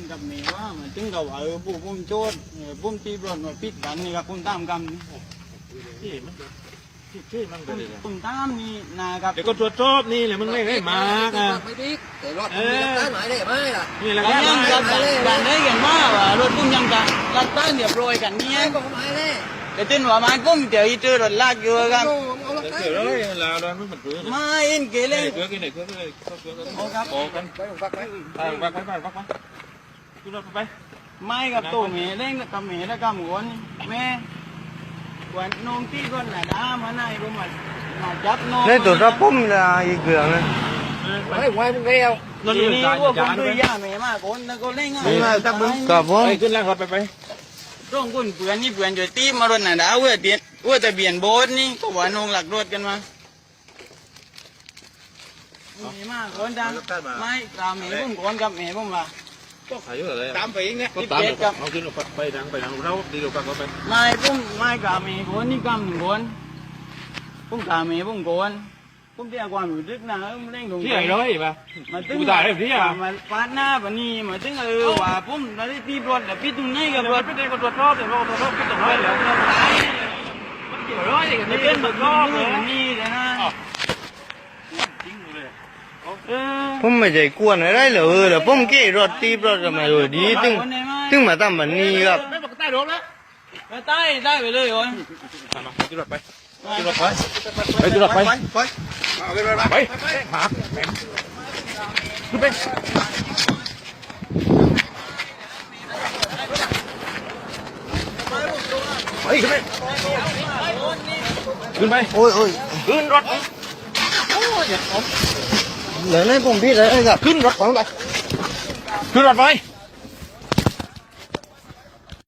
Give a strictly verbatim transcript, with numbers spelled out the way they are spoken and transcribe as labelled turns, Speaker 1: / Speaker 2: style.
Speaker 1: กับเมย์ว่ามันถึงกับเออผู้พุ่มโจทย์พุ่มตีบอลมาปิดกันนี่ครับพุ่มตามกันที่มันที่มันพุ่มตามนี่นะครับ
Speaker 2: เดี๋ยวก็ตรวจสอบนี่เลยมึงไม่ให้มาอ่ะ
Speaker 3: ไม่ดีแต่รถมันตั้งหมายได้ไหมล่ะ
Speaker 2: นี่แหละ
Speaker 1: แล้ว
Speaker 2: ค
Speaker 1: ยัง
Speaker 2: รั
Speaker 1: กับการได้กันว่าว่ารถพุ่มยังกันรักตั้งเดี๋ยวโปรยกันเนี่ย
Speaker 3: ก็หมายเลย
Speaker 1: แต่ถึงว่ามันพุ่มเดี๋ยวอีเจอรถลากอยู่ครับ
Speaker 3: เอารถ
Speaker 2: เดี๋ยวเลยลาวแล้วมันมันเกลือ
Speaker 1: ไม่เอ็นเก
Speaker 2: เก
Speaker 1: เร
Speaker 2: ลือเกลือกินไหนเกลือเลยเกลือกัน
Speaker 1: โอ้ครับ
Speaker 2: โอ้กัน
Speaker 3: ไปฟักไหม
Speaker 2: ไปไปไปไปไปไปขึ้นรถไป
Speaker 1: ไม่กับตัวเมย์เล่นกับเมย์แล้วกับหมวนแม่วันน้องตีก่อนหน้าด้ามาไหนรู้มามาจับน้อง
Speaker 4: นี่ตัวรับพุ่มละอีกเกลืองนะ
Speaker 3: ไอ้ไว้มึงเร็ว
Speaker 2: นั่น
Speaker 1: ที
Speaker 2: นี่
Speaker 1: นี้
Speaker 2: จาน
Speaker 1: ว่าผ
Speaker 2: จาม น
Speaker 1: ดู
Speaker 2: ไป
Speaker 1: ย่าเมย์มากคนแล้วก็เล่นง่าย
Speaker 4: นี่มาตักมึงกับผม
Speaker 2: ไปขึ้นแล้วครับไปไป
Speaker 1: ร่องคนเพื่อนนี่เพื่อนจะตีมารถหน้าด้าเว้ยเบียดเว้ยแต่เบียนโบสนี่ก็ว่าน้องหลักรถกันมาเมย์มากคนจังไม่ตามเมย์พุ่มก่อนกับเมย์พุ่มละ
Speaker 2: ก็ขายเยอะเลย
Speaker 3: ตามไปเองเนี่ย
Speaker 2: ก็ตามเอาขึ้นไปดังไปดังเราดีกว่าก็ไป
Speaker 1: ไม่พุ่มไม่กับเมย์คนนี่กำหนึ่งคนพุ่มกับเมย์พุ่มก่อนพุ่มที่อาความรู้สึกนะพุ่มเล่นตรง
Speaker 2: ที่ไหนร้อยป่ะ
Speaker 1: มาถึง
Speaker 2: กูตายได้ที่อ่ะ
Speaker 1: มาฟาดหน้าปนี่มาถึงเออว่าพุ่มเราได้ตีบอลแต่พี่ตรงไหนกับ
Speaker 2: เดี๋ยว
Speaker 1: รถ
Speaker 2: ไปเด็กก็ตรวจสอบเดี๋ยวก็ตรวจสอบขึ้นตรงร้อยแล้วมันเกี่ยวร้อยกัน
Speaker 1: ไม่
Speaker 2: นี่
Speaker 1: เป็น
Speaker 2: ตร
Speaker 1: แบ
Speaker 2: วจ
Speaker 1: บ
Speaker 2: สอบเลย
Speaker 1: นี่เลยนะ
Speaker 2: จริงเลย
Speaker 1: เออ
Speaker 4: ผมไม่ใจกวนอะไรเลยเออแล้วผมเกี่รถตีรถกันมาเลยดีตึงตึงมาทำแบบนี้ครับ
Speaker 2: ไม่บอกใต้รถแล้ว
Speaker 1: ไปใต้ได้ไปเลยโอ้ย
Speaker 2: มาขึ้นรถไปขึ้นรถไปไปขึ้นรถไป
Speaker 3: ไปเอาไปไป
Speaker 2: ไปหมาแหมขึ้นไปไปขึ้นไปขึ้นไป
Speaker 4: โอ้ยโอ้ย
Speaker 2: ขึ้นรถ
Speaker 4: เหลือในผมพี่เลยครับ
Speaker 2: ขึ้นรถไปขึ้นรถไป